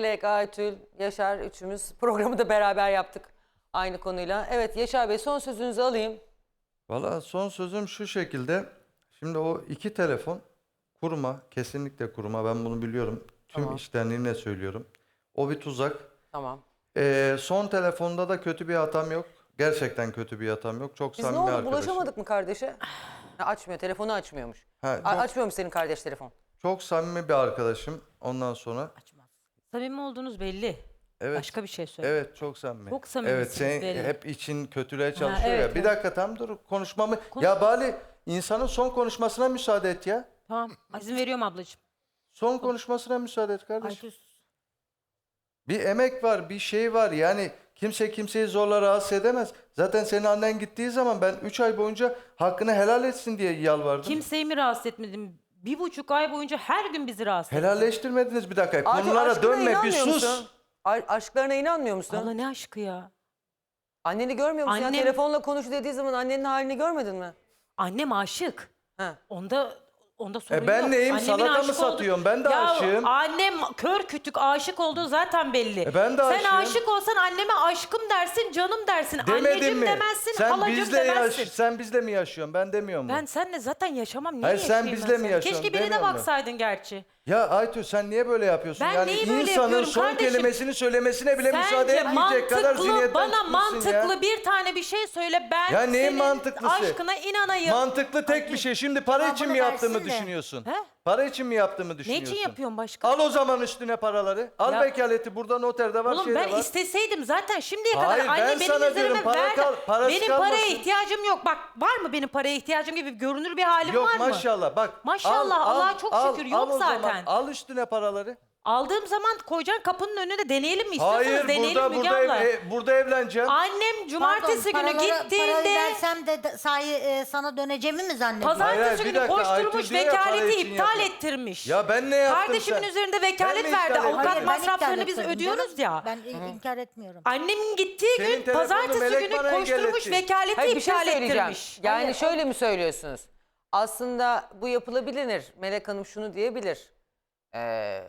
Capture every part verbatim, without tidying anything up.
Melek, Aytül, Yaşar üçümüz programı da beraber yaptık aynı konuyla. Evet Yaşar Bey, son sözünüzü alayım. Valla son sözüm şu şekilde. Şimdi o iki telefon kurma, kesinlikle kurma. Ben bunu biliyorum. Tüm Tamam. içtenliğimle söylüyorum. O bir tuzak. Tamam. Ee, son telefonda da kötü bir hatam yok. Gerçekten kötü bir hatam yok. Çok Biz ne samimi oldu, arkadaşım. bulaşamadık mı kardeşe? Ha, açmıyor, telefonu açmıyormuş. Ha, A- çok, Açmıyormuş senin kardeş telefon. çok samimi bir arkadaşım. Ondan sonra. Samimi olduğunuz belli. Evet. Başka bir şey söyle. Evet, çok samimi. Çok samimisiniz Evet, senin belli. hep için kötülüğe çalışıyor evet, ya. Bir evet. dakika tam dur konuşmamı. Ya Bali, insanın son konuşmasına müsaade et ya. Tamam. İzin veriyorum ablacığım. Son konuşmasına müsaade et kardeşim. Aytül. Bir emek var, bir şey var. Yani kimse kimseyi zorla rahatsız edemez. Zaten senin annen gittiği zaman ben üç ay boyunca hakkını helal etsin diye yalvardım. Kimseyi mi rahatsız etmedim? Bir buçuk ay boyunca her gün bizi rahatsız ettin. Helalleştirmediniz bir dakika. Aytül, Konulara aşkına dönme, bir inanmıyor sus. musun? A- aşklarına inanmıyor musun? Abla ne aşkı ya? Anneni görmüyor musun? Annem- Ya, telefonla konuş dediği zaman annenin halini görmedin mi? Annem aşık. Ha. Onda onda sorun yok. E ben neyim? Annemin Salata mı aşık olduğu- satıyorum? Ben de ya aşığım. Annem kör kütük aşık olduğu zaten belli. E ben de Sen aşığım. aşık olsan anneme aşkım dersin, canım dersin. Demedim Anneciğim mi? demezsin, Sen halacığım bizle yaş, demezsin. sen bizle mi yaşıyorsun? Ben demiyor mu? Ben seninle zaten yaşamam. Niye Hayır, sen yaşayayım bizle ben mi seninle? yaşıyorsun Keşke birine demiyor mu? baksaydın gerçi. Ya Aytül sen niye böyle yapıyorsun? Ben yani neyi böyle insanın yapıyorum son kardeşim? kelimesini söylemesine bile müsaade Sence etmeyecek kadar mantıklı, zihniyetten bana çıkmışsın ya. mantıklı bir tane bir şey söyle, ben Ya neyin senin mantıklısı? aşkına inanayım. Mantıklı tek bir şey. Şimdi para için mi Cevabını yaptığımı versin de. düşünüyorsun? He? Para için mi yaptığımı Ne düşünüyorsun? için yapıyorsun başka? Al o zaman üstüne paraları. Al Ya- vekaleti, burada noterde var, Oğlum şeyde ben var. isteseydim zaten şimdiye Hayır, kadar anne ben benim sana üzerime diyorum, para verdi. kal- parası benim kalmasın. paraya ihtiyacım yok. Bak var mı benim paraya ihtiyacım gibi görünür bir halim Yok var mı? maşallah bak. Maşallah, al, Allah'a al, çok al, şükür, al yok o zaman. zaten. Al üstüne paraları. Aldığım zaman koyacaksın kapının önünde, deneyelim mi? İstiyorsanız Hayır, deneyelim burada Müge burada abla. ev- e, burada evleneceğim. Annem cumartesi Pardon, günü paraları- gittiğinde Parayı versem de de- sahi e, sana döneceğimi mi zannediyorsun? Hayır, hayır, pazartesi bir günü dakika, koşturmuş, Aytül diyor ya, para vekaleti için iptal yapıyor. ettirmiş. Ya ben ne yaptım Kardeşimin sen? üzerinde Ben vekalet mi verdi. iptal ettim? Avukat Hayır, ben masraflarını iptal biz etmedim ödüyoruz canım. ya. Ben i- inkar etmiyorum. Annemin gittiği Senin gün telefonunu pazartesi Melek günü bana koşturmuş, engelletti. vekaleti Hayır, bir şey iptal söyleyeceğim. ettirmiş. Yani Hayır, şöyle mi söylüyorsunuz? Aslında bu yapılabilir. Melek Hanım şunu diyebilir. Ee,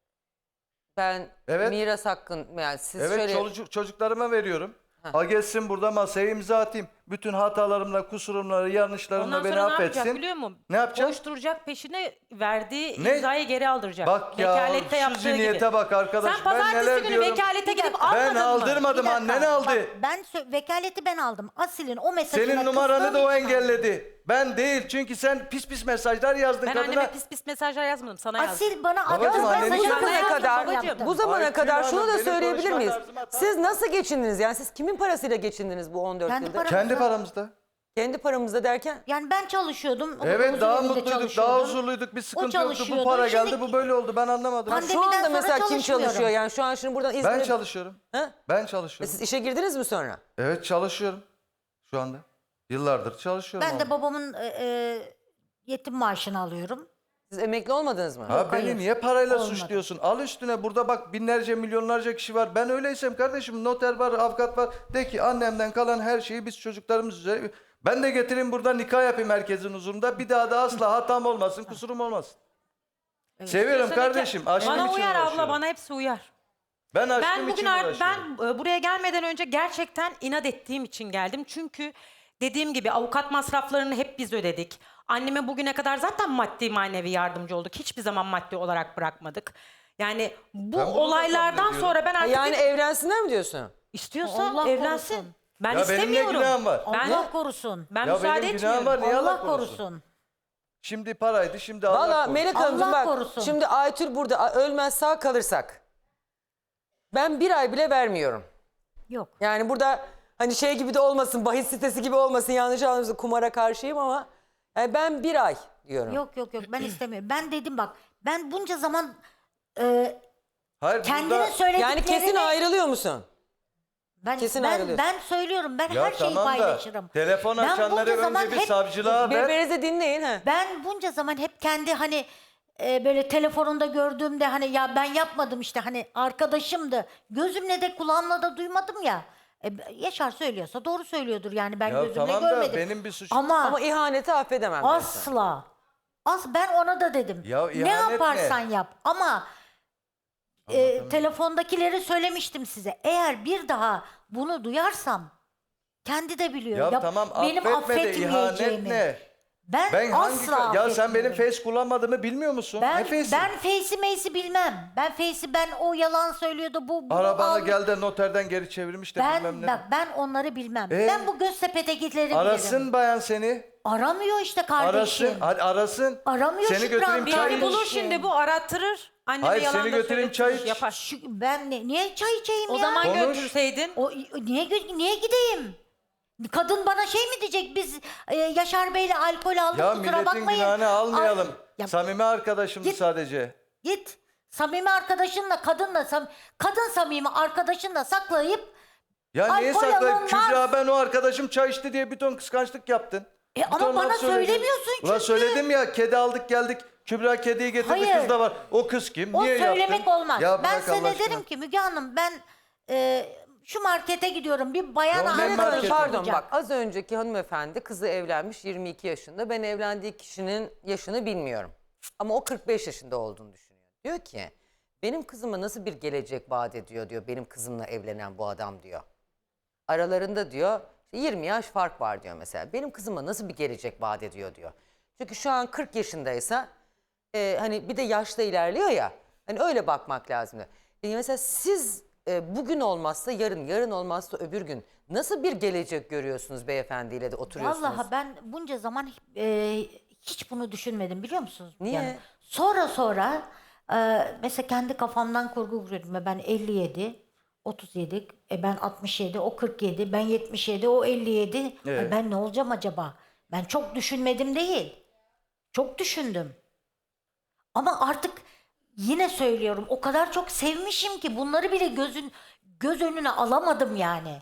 ben Evet. miras hakkın, yani siz Evet, şöyle... çoluk- çocuklarıma veriyorum. Al gelsin burada masaya imza atayım. Bütün hatalarımla, kusurumla, yanlışlarımla Ondan beni sonra ne affetsin. yapacak biliyor musun? Ne yapacak? Koşturacak, peşine verdiği Ne? imzayı geri aldıracak. Bak ya, Vekalette şu yaptığı zihniyete gibi. bak arkadaş. Sen Ben pazartesi neler günü diyorum. vekalete Bir gidip dakika. almadın Ben mı? aldırmadım, Bir dakika, annen aldı. bak, ben sö- vekaleti ben aldım. Asil'in o mesajına Senin numaranı kızdığım da o için aldım. engelledi. Ben değil, çünkü sen pis pis mesajlar yazdın Ben kadına. anneme pis pis mesajlar yazmadım, sana yazdım. Asil bana Babacığım, attığı annenin mesajı numarası- zamana kızdığım kadar, için yaptım. bu zamana Aytül kadar şunu Hanım, da benim söyleyebilir konuşma miyiz? tarzıma tam- Siz nasıl geçindiniz? Yani siz kimin parasıyla geçindiniz bu on dört Kendi yılda? param- Kendi paramızda. Kendi paramızda derken? Yani ben çalışıyordum. Evet, huzur daha evinde mutluyduk, çalışıyordum. daha huzurluyduk. Bir sıkıntı yoktu. Bu çalışıyordu. para geldi, Şimdi- bu böyle oldu. Ben anlamadım. Pandemi- Şu anda Pandemiden mesela sonra kim çalışmıyorum. çalışıyor? Yani şu an şimdi buradan İzmir'e... Ben çalışıyorum. Ha? Ben E çalışıyorum. siz işe girdiniz mi sonra? Evet, çalışıyorum. Şu anda. Yıllardır çalışıyorum. Ben de orada. babamın e, e, yetim maaşını alıyorum. Siz emekli olmadınız mı? Ha, Yok, beni hayır. niye parayla Olmadı. suçluyorsun? Al üstüne, burada bak binlerce milyonlarca kişi var. Ben öyleysem kardeşim, noter var, avukat var. De ki annemden kalan her şeyi biz çocuklarımız üzerine... Ben de getireyim burada nikah yapayım herkesin huzurunda. Bir daha da asla hatam olmasın, kusurum olmasın. Seviyorum Diyorsun kardeşim. ki, Aşkım bana için uyar abla, uğraşıyorum. bana hepsi uyar. Ben aşkım Ben bugün için ar- uğraşıyorum. ben e, buraya gelmeden önce gerçekten inat ettiğim için geldim. Çünkü dediğim gibi avukat masraflarını hep biz ödedik. Anneme bugüne kadar zaten maddi manevi yardımcı olduk. Hiçbir zaman maddi olarak bırakmadık. Yani bu Ben bunu da olaylardan kabul ediyorum. sonra ben Ha, artık yani evlensinler mi diyorsun? istiyorsa Allah evlensin. korusun. Ben Ya benim ne istemiyorum. günahım var? Ben, Allah korusun. ben Ya müsaade benim günahım etmiyorum. var, niye Allah Allah korusun? korusun. Şimdi paraydı, şimdi Allah Valla korusun. Melek Hanımcığım Allah bak, korusun. şimdi Aytül burada a- ölmez sağ kalırsak ben bir ay bile vermiyorum. Yok. Yani burada hani şey gibi de olmasın, bahis sitesi gibi olmasın, yanlış anlamasın, kumara karşıyım ama yani ben bir ay diyorum. Yok yok yok ben istemiyorum. Ben dedim bak ben bunca zaman e, Hayır, kendinin burada... söylediklerini... Yani kesin ayrılıyor musun? Ben, kesin ben, ayrılıyorsun. ben söylüyorum ben Ya her şeyi tamam da paylaşırım. telefon Ben açanları bunca zaman önce bir hep- savcılığa ver. Birbirinizi dinleyin. He. Ben bunca zaman hep kendi hani e, böyle telefonunda gördüğümde hani ya ben yapmadım işte hani arkadaşımdı. Gözümle de kulağımla da duymadım ya. E, Yaşar söylüyorsa doğru söylüyordur yani ben Ya gözümle tamam da görmedim. benim bir suçum- Ama, Ama ihaneti affedemem. ben sana. asla. As ben ona da dedim. Ya ne ihanet yaparsan ne? yap ama e, telefondakileri söylemiştim size. Eğer bir daha bunu duyarsam kendi de biliyor. Ya Ya tamam benim affetme de ihanet affetmeyeceğimi. ne? Ben, Ben hangi asla ya sen benim affetmiyorum. face kullanmadığımı bilmiyor musun? Ben, ne face'i? ben Face'i Mace'i bilmem. Ben Face'i ben o yalan söylüyordu. Bu bunu Arabanı aldı. gel de noterden geri çevirmiş de bilmem Ben ne. bak ben onları bilmem. Ee? Ben bu Göztepe'dekileri Arasın bilirim. bayan seni. Aramıyor işte kardeşim. Arasın. Hadi arasın. Aramıyor Seni Şükran götüreyim Bir çay hani iç. bulur şimdi bu arattırır. Anneme Hayır, yalan seni da götüreyim, çay söyletir, iç. yapar. Şu, ben ne, niye çay içeyim O ya? zaman Konuş. götürseydin. O niye gö- niye gideyim? Kadın bana şey mi diyecek? Biz e, Yaşar Bey'le alkol aldık Ya kusura milletin bakmayın. günahını almayalım. Ay, ya Samimi arkadaşımdı Git. sadece. git. Samimi arkadaşınla kadınla sam- kadın samimi arkadaşınla saklayıp Ya niye Alkol saklayıp alınmaz. Kübra ben o arkadaşım çay içti diye bir ton kıskançlık yaptın. E Bir ama ton bana laf söyledin. söylemiyorsun Ulan çünkü. söyledim ya kedi aldık geldik. Kübra kediyi getirdi Hayır. kız da var. O kız kim? o Niye söylemek yaptın? olmaz. Ya Ben bırak Allah sana aşkına. derim ki Müge Hanım ben e, şu markete gidiyorum. Bir bayan Ya ne arkadaşım marketi? Melek Hanım, pardon olacak. bak az önceki hanımefendi kızı evlenmiş yirmi iki yaşında. Ben evlendiği kişinin yaşını bilmiyorum. Ama o kırk beş yaşında olduğunu düşünüyor. Diyor ki benim kızıma nasıl bir gelecek vaat ediyor diyor benim kızımla evlenen bu adam diyor. Aralarında diyor işte yirmi yaş fark var diyor mesela. Benim kızıma nasıl bir gelecek vaat ediyor diyor. Çünkü şu an kırk yaşındaysa e, hani bir de yaşta ilerliyor ya. Hani öyle bakmak lazım diyor. E, mesela siz e, bugün olmazsa yarın, yarın olmazsa öbür gün nasıl bir gelecek görüyorsunuz beyefendiyle de oturuyorsunuz? Vallahi ben bunca zaman e, hiç bunu düşünmedim biliyor musunuz? Niye? sonra sonra e, mesela kendi kafamdan kurgu kuruyordum. Ben elli yedi, otuz yedi, e ben altmış yedi, o kırk yedi, ben yetmiş yedi, o elli yedi. Ay Evet. ben ne olacağım acaba? Ben çok düşünmedim değil. Çok düşündüm. Ama artık yine söylüyorum o kadar çok sevmişim ki bunları bile gözün göz önüne alamadım yani.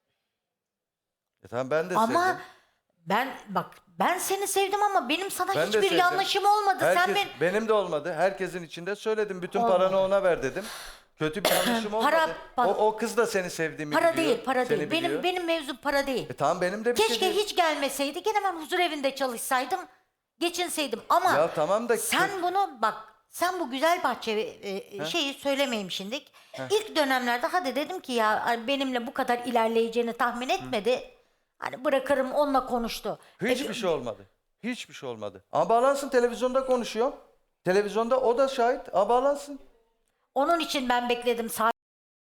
E tamam ben de Ama sevdim. ben bak ben seni sevdim ama benim sana Ben de hiçbir sevdim. yanlışım olmadı. Sen Herkes, ben benim de olmadı. Herkesin içinde söyledim. Bütün Olmadı. paranı ona ver dedim. Kötü bir yanlışım olmadı. Para- o, bak- o kız da seni sevdiğimi para biliyor. değil, para seni değil. Benim biliyor. benim mevzum para değil. E tamam benim de bir Keşke şey değil. hiç gelmeseydi. Gene ben huzur evinde çalışsaydım. Geçinseydim ama Ya tamam da- sen bunu bak sen bu güzel bahçe e, şeyi söylemeymişindik. İlk dönemlerde hadi dedim ki ya benimle bu kadar ilerleyeceğini tahmin etmedi. Hani bırakırım onunla konuştu. E, Hiçbir bir- şey olmadı. Hiçbir şey olmadı. Ama bağlansın televizyonda konuşuyor. Televizyonda o da şahit. Ama bağlansın. Onun için ben bekledim saat.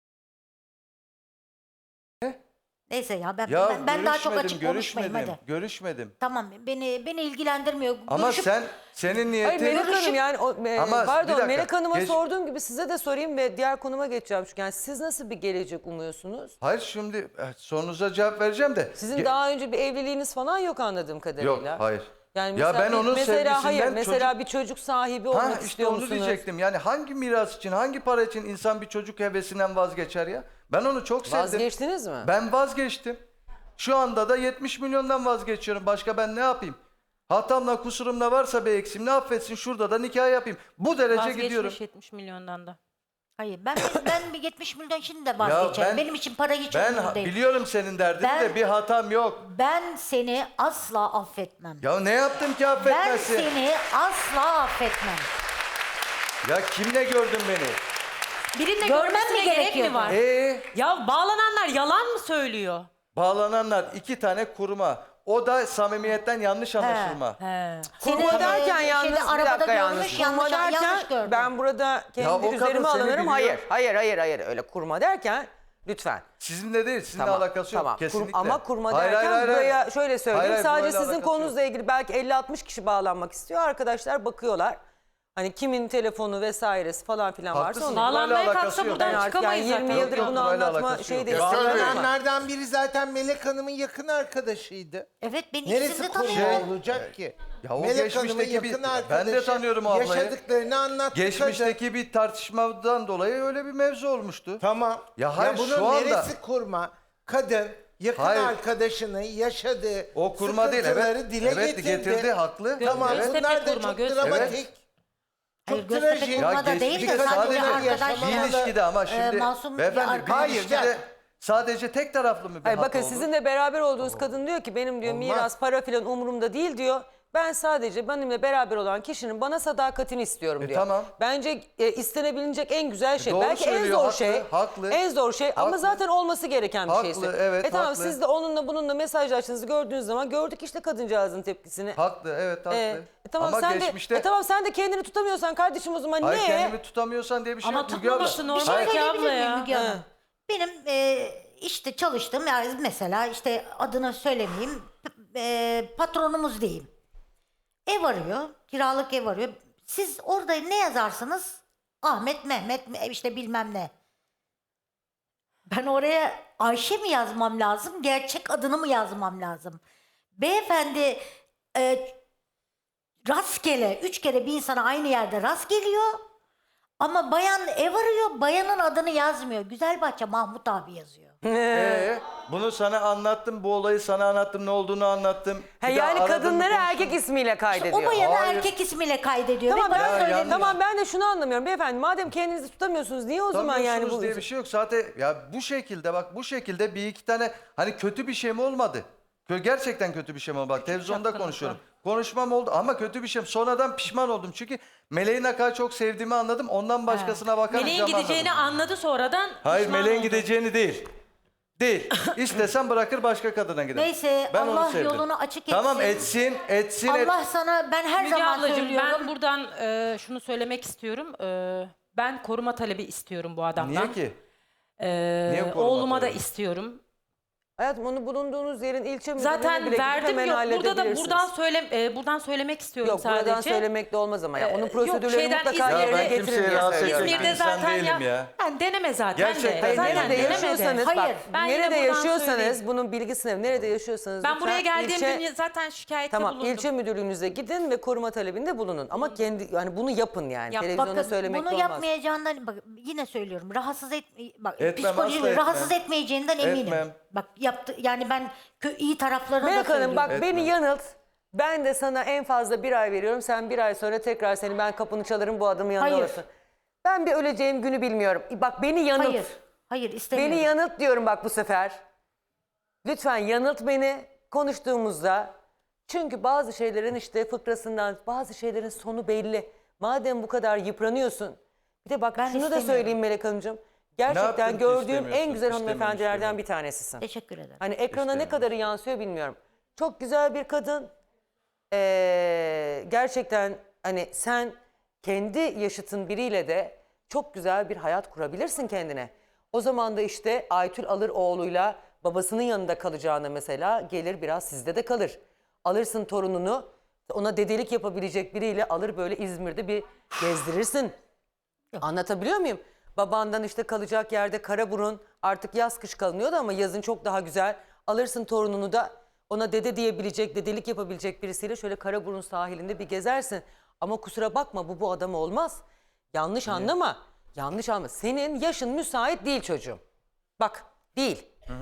Ne? Neyse ya ben Ya ben, ben daha çok görüşmedim, açık konuşmayayım görüşmedim, hadi. Görüşmedim. Tamam beni beni ilgilendirmiyor. Ama Görüşüp- sen senin niyetin... Hayır Melek Görüşüp- Hanım yani o, e, Ama bir pardon dakika, Melek Hanım'a geç- sorduğum gibi size de sorayım ve diğer konuma geçeceğim. Çünkü yani siz nasıl bir gelecek umuyorsunuz? Hayır şimdi e, sorunuza cevap vereceğim de. Sizin Ge- daha önce bir evliliğiniz falan yok anladığım kadarıyla. Yok hayır. Yani Ya mesela ben bir- onun mesela hayır sevgisinden mesela çocuk- bir çocuk sahibi olmak Ha işte istiyor onu musunuz? diyecektim. Yani hangi miras için, hangi para için insan bir çocuk hevesinden vazgeçer ya? Ben onu çok sevdim. Vazgeçtiniz mi? Ben vazgeçtim. Şu anda da yetmiş milyondan vazgeçiyorum. Başka ben ne yapayım? Hatamla kusurumla varsa bir eksiğim ne affetsin şurada da nikah yapayım. Bu derece gidiyorum. Vazgeçmiş yetmiş milyondan da. Hayır ben ben bir yetmiş milyon şimdi de vazgeçerim. ben- Benim için para hiç Ben önemli ha- değil. biliyorum senin derdini Ben- de bir hatam yok. Ben seni asla affetmem. Ya ne yaptım ki Ben affetmezsin? seni asla affetmem. Ya kimle gördün beni? Birinde Görmem görmesine mi gerek gerekiyordu? mi var? Ee, Ya bağlananlar yalan mı söylüyor? bağlananlar iki tane kurma. O da samimiyetten yanlış anlaşılma. He. Kurma Seni, derken e, yalnız şeyde, bir arabada dakika yalnız. görmüş, Kurma yanlış- derken yanlış gördüm. ben burada Ya o kendi kadın üzerime seni alınırım. biliyor. Hayır, hayır, hayır, hayır öyle kurma derken lütfen. Sizinle değil, sizinle Tamam, alakası yok. tamam. Kur- Kesinlikle. ama kurma Hayır, derken hayır, hayır, buraya hayır. şöyle söyleyeyim. Hayır, hayır, Sadece burayla sizin alakası konunuzla ilgili belki elli altmış kişi bağlanmak istiyor. Arkadaşlar bakıyorlar. Hani kimin telefonu vesairesi falan filan varsa Haklısın. onu. Burayla Bağlanmaya alakası kalksa yok. buradan Ben artık çıkamayız yani yirmi zaten. yıldır Yok, bunu yok, burayla anlatma alakası şey yok. değil. Ya Ama- Söyleyenlerden biri zaten Melek Hanım'ın yakın arkadaşıydı. Evet ben ikisini Neresi de konu tanıyorum. olacak ki? Ya o Melek Hanım'ın geçmişteki bir- yakın ben de arkadaşı tanıyorum o ablayı. yaşadıklarını anlattı kadın. Geçmişteki bir tartışmadan dolayı öyle bir mevzu olmuştu. Tamam. Ya hayır, bunun şu anda- neresi kurma? Kadın yakın Hayır. arkadaşının yaşadığı O kurma değil, sıkıntıları evet. dile Evet, getirdi. getirdi, haklı. Tamam Evet. bunlar da Göztepe kurma, çok Göztepe. dramatik. Hayır, Çok Göztepe trajik. kurma da geç- değil de bir sadece sadece arkadaş. Bir ilişkide ama şimdi masum bir beyefendi bir arkadaş. ilişkide Hayır, sadece tek taraflı mı bir Hayır hata bakın olur? sizinle beraber olduğunuz kadın diyor ki benim diyor Olmaz. miras para filan umurumda değil diyor. Ben sadece benimle beraber olan kişinin bana sadakatini istiyorum E, diyor. tamam. Bence e, istenebilecek en güzel şey. doğru Belki en söylüyor, zor haklı, şey. haklı. En zor şey ama Haklı. zaten olması gereken bir Haklı, şeyse. evet, E tamam haklı. siz de onunla bununla mesajlaştığınızı gördüğünüz zaman gördük işte kadıncağızın tepkisini. Haklı, evet haklı. E, e tamam Ama sen geçmişte... de e tamam sen de kendini tutamıyorsan kardeşim o zaman Hayır ne? kendimi tutamıyorsan diye bir şey Ama yok Müge abla. tutmaması Bir normal şey ki söyleyebilir abla miyim ya. Müge Hanım? He. Benim e, işte çalıştığım yani mesela işte adını söylemeyeyim e, patronumuz diyeyim. Ev arıyor, kiralık ev arıyor. Siz orada ne yazarsınız? Ahmet, Mehmet işte bilmem ne. Ben oraya Ayşe mi yazmam lazım, gerçek adını mı yazmam lazım? Beyefendi e, rastgele, üç kere bir insana aynı yerde rast geliyor. Ama bayan ev arıyor, bayanın adını yazmıyor. Güzelbahçe Mahmut abi yazıyor. Ee, bunu sana anlattım, bu olayı sana anlattım, ne olduğunu anlattım. Ha, Bir daha yani aradım, kadınları konuştum. erkek ismiyle O kaydediyor. bayanı Hayır. erkek ismiyle kaydediyor. Tamam ve bana ben, Ya, söylemiyor. yanlış. tamam ben de şunu anlamıyorum beyefendi. Madem kendinizi tutamıyorsunuz niye o zaman yani Tutamıyorsunuz bu diye bir şey yok. Zaten ya bu şekilde bak bu şekilde bir iki tane hani kötü bir şey mi olmadı? Kö- Gerçekten kötü bir şey mi oldu? Bak televizyonda şapkanız konuşuyorum. Konuşmam oldu ama kötü bir şey. Sonradan pişman oldum. Çünkü Meleğin ne kadar çok sevdiğimi anladım. Ondan başkasına bakamayacağımı Meleğin gideceğini anladım. anladı sonradan. Hayır pişman Meleğin oldu. gideceğini değil. Değil. İstesem bırakır başka kadına gider. Neyse, Ben onu Allah sevdim. yolunu açık Tamam etsin. etsin, etsin. et- Allah sana ben her Müge zaman ablacığım söylüyorum. ben buradan e, şunu söylemek istiyorum. E, ben koruma talebi istiyorum bu adamdan. Niye ki? E, Niye koruma oğluma da talebi? istiyorum. Hayatım onu bulunduğunuz yerin ilçe müdürlüğüne Zaten bile gidip verdim hemen yok. Burada da halledebilirsiniz. buradan söyle e, buradan söylemek istiyorum Yok sadece. buradan söylemek de olmaz ama ya. Ee, Onun yok, prosedürleri şeyden mutlaka İzmir'de- yerine Ya ben getirin kimseyi diye rahatsız söylüyorum. etmek İzmir'de insan zaten değilim ya. Yani deneme zaten Gerçekten de. Hayır, Zaten nerede denemedi. yaşıyorsanız Hayır. bak Ben yine nerede buradan yaşıyorsanız söyleyeyim. bunun bilgisini nerede yaşıyorsanız Ben lütfen buraya geldiğimde ilçe- zaten şikayette Tamam bulundum. ilçe müdürlüğünüze gidin ve koruma talebinde bulunun. Ama kendi yani bunu yapın yani. Yap. Televizyonda Bakın söylemek bunu de olmaz. yapmayacağından bak yine söylüyorum. Rahatsız et bak Etmem, psikolojik asla rahatsız etmem. etmeyeceğinden eminim. Etmem. Bak yaptı yani ben kö, iyi taraflarını da Melek Hanım söylüyorum. bak Etme. beni yanılt. Ben de sana en fazla bir ay veriyorum. Sen bir ay sonra tekrar seni ben kapını çalarım bu adamın yanında Hayır. olursun. Ben bir öleceğim günü bilmiyorum. Bak beni yanılt. Hayır. Hayır istemiyorum. Beni yanılt diyorum bak bu sefer. Lütfen yanılt beni konuştuğumuzda. Çünkü bazı şeylerin işte fıkrasından, bazı şeylerin sonu belli. Madem bu kadar yıpranıyorsun. Bir de bak Ben şunu da istemiyorum. söyleyeyim Melek Hanımcığım. Gerçekten yaptın ki gördüğüm en istemiyorsun? güzel İstemiyorum, hanımefendilerden istemiyorum. bir tanesisin. Teşekkür ederim. Hani ekrana ne İstemiyorum. kadarı yansıyor bilmiyorum. Çok güzel bir kadın. Ee, gerçekten hani sen kendi yaşıtın biriyle de çok güzel bir hayat kurabilirsin kendine. O zaman da işte Aytül alır oğluyla babasının yanında kalacağına mesela gelir biraz sizde de kalır. Alırsın torununu ona dedelik yapabilecek biriyle alır böyle İzmir'de bir gezdirirsin. Anlatabiliyor muyum? Babandan işte kalacak yerde Karaburun artık yaz kış kalınıyordu ama yazın çok daha güzel. Alırsın torununu da ona dede diyebilecek, dedelik yapabilecek birisiyle şöyle Karaburun sahilinde bir gezersin. Ama kusura bakma bu bu adam olmaz. Yanlış anlama. Yanlış anlama. Senin yaşın müsait değil çocuğum. Bak değil.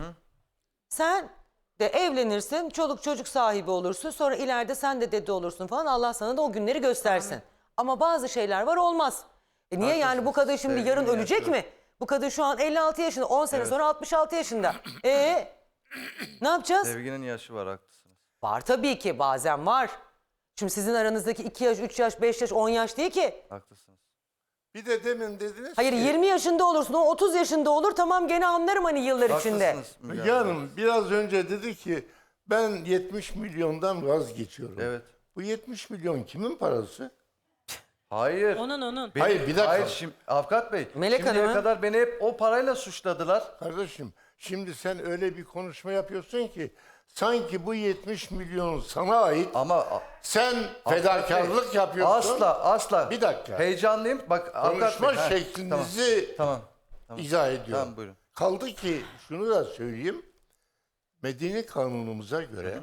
Sen de evlenirsin, çoluk çocuk sahibi olursun. Sonra ileride sen de dede olursun falan. Allah sana da o günleri göstersin. Ama bazı şeyler var olmaz. E niye yani bu kadın şimdi Sevgili yarın ölecek yaşlı. mi? Bu kadın şu an elli altı yaşında, on sene sonra altmış altı yaşında. E ne yapacağız? Sevginin yaşı var haklısınız. Var tabii ki bazen var. Şimdi sizin aranızdaki iki yaş, üç yaş, beş yaş, on yaş değil ki. Haklısınız. Bir de demin dediniz Hayır ki... yirmi yaşında olursun, o otuz yaşında olur tamam gene anlarım hani yıllar içinde. Haklısınız. Müge Müge Hanım. Hanım biraz önce dedi ki ben yetmiş milyondan vazgeçiyorum. Evet. Bu yetmiş milyon kimin parası? Hayır. Onun onun. Beni- Hayır, bir dakika. Hayır şimdi Avukat Bey. Melek şimdiye Hanım'ı- kadar beni hep o parayla suçladılar. Kardeşim şimdi sen öyle bir konuşma yapıyorsun ki sanki bu yetmiş milyon sana ait. Ama a- Sen Avukat fedakarlık Bey, yapıyorsun. Asla asla. Bir dakika. Heyecanlıyım. Bak Avukat Konuşma Bey. ha, şeklinizi Tamam. Tamam. izah ediyorum. Tamam, buyurun. Kaldı ki şunu da söyleyeyim. Medeni kanunumuza göre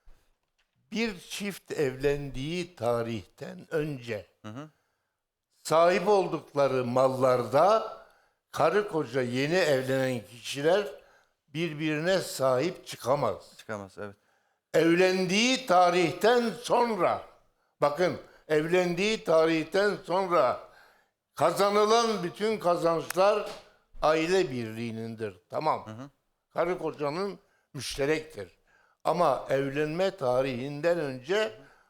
bir çift evlendiği tarihten önce sahip oldukları mallarda karı koca yeni evlenen kişiler birbirine sahip çıkamaz. Çıkamaz evet. Evlendiği tarihten sonra, bakın evlendiği tarihten sonra kazanılan bütün kazançlar aile birliğinindir. Tamam. Karı kocanın müşterektir. Ama evlenme tarihinden önce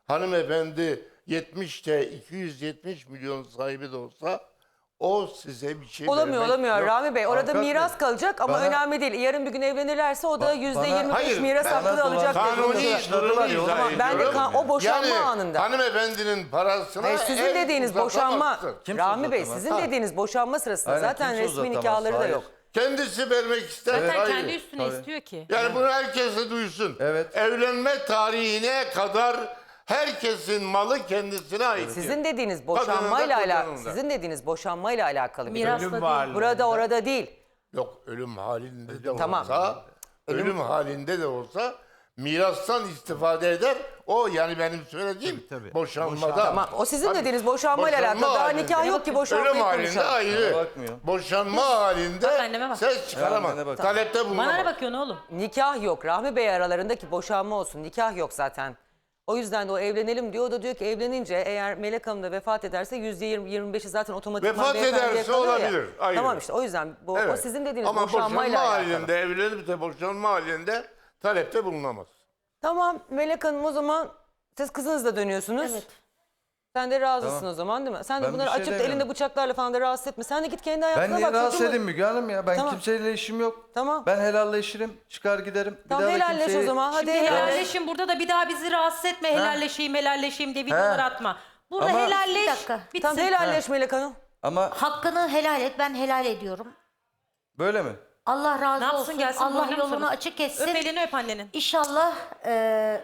hanımefendi yetmişte iki yüz yetmiş milyon sahibi de olsa o size bir şey Olamıyor vermek olamıyor yok. Rami Bey. Orada Avukat miras Bey, kalacak ama bana- önemli değil. Yarın bir gün evlenirlerse o da Ba- yüzde bana- yirmi beş Hayır, miras ben- hakkı da alacak. bana- dedi. Kanuni Kanuni durumu izah Tamam, ben de ediyorum. kan- o boşanma yani, anında. hanımefendinin parasına Hayır, sizin el dediğiniz boşanma, uzatamazsın. Kimse Rami Bey uzatamaz. sizin Ha. dediğiniz boşanma sırasında Aynen, zaten kimse resmi uzatamaz. nikahları da Hayır. yok. Kendisi vermek ister. Zaten hayır. kendi üstüne Tabii. istiyor ki. Yani bunu herkes de duysun. Evet. Evlenme tarihine kadar herkesin malı kendisine ait. Sizin dediğiniz Kadının da, boşanmayla kocanın alakalı, da. sizin dediğiniz boşanmayla alakalı bir Mirasla durum. değil. varlığı. Burada orada değil. Yok, ölüm halinde de Tamam. olsa, ölüm, halinde de olsa mirastan istifade eder. O yani benim söylediğim Tabii, tabii. boşanmada. Tamam, o sizin Tabii, dediğiniz boşanmayla boşanma alakalı. Daha halinde. nikah yok ki Ölüm boşanmayı halinde konuşalım. ayrı. Bana bakmıyor. Boşanma halinde Bak anneme bak. ses çıkaramaz. annene bak. Talepte Bana ne bulunamaz. bakıyorsun oğlum? Nikah yok. Rahmi Bey aralarındaki boşanma olsun. Nikah yok zaten. O yüzden de o evlenelim diyor. O da diyor ki evlenince eğer Melek Hanım da vefat ederse yüzde yirmi yirmi beşi zaten otomatikman Vefat beyefendiye ederse kalıyor ya. olabilir, ayrı. Tamam işte o yüzden bu, o Evet. sizin dediğiniz Ama boşanmayla boşanma alakalı. halinde, evlenip de boşanma halinde talepte bulunamaz. Tamam Melek Hanım o zaman siz kızınızla dönüyorsunuz. Evet. Sen de razısın Tamam. o zaman değil mi? Sen de Ben bunları bir şey açıp da demiyorum. elinde bıçaklarla falan da rahatsız etme. Sen de git kendi hayatına Ben bak. niye rahatsız çocuğun- edeyim Müge Hanım ya? Ben Tamam. kimseyle işim yok. Tamam. Ben helalleşirim, çıkar giderim. Bir Tamam daha da helalleş kimseyi- o zaman. Hadi Şimdi helalleş. helalleşin burada da bir daha bizi rahatsız etme. Helalleşeyim helalleşeyim diye videolar He. atma. Burada Ama- helalleş. Bir dakika. Bitsin. Tamam helalleş Melek Hanım. Ama Hakkını helal et. Ben helal ediyorum. böyle mi? Allah razı Ne yapsın, olsun. gelsin Allah boynuna mı yolunu sarılsın? açık etsin. Öp elini öp annenin. İnşallah e,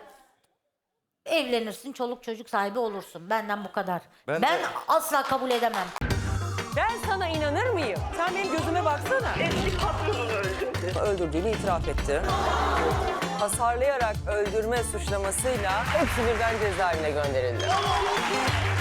evlenirsin, çoluk çocuk sahibi olursun. Benden bu kadar. Ben Ben, de- asla kabul edemem. Ben sana inanır mıyım? Sen benim gözüme baksana. Eski patronunu öldürdü. Öldürdüğünü itiraf etti. Hasarlayarak öldürme suçlamasıyla hepsi birden cezaevine gönderildi.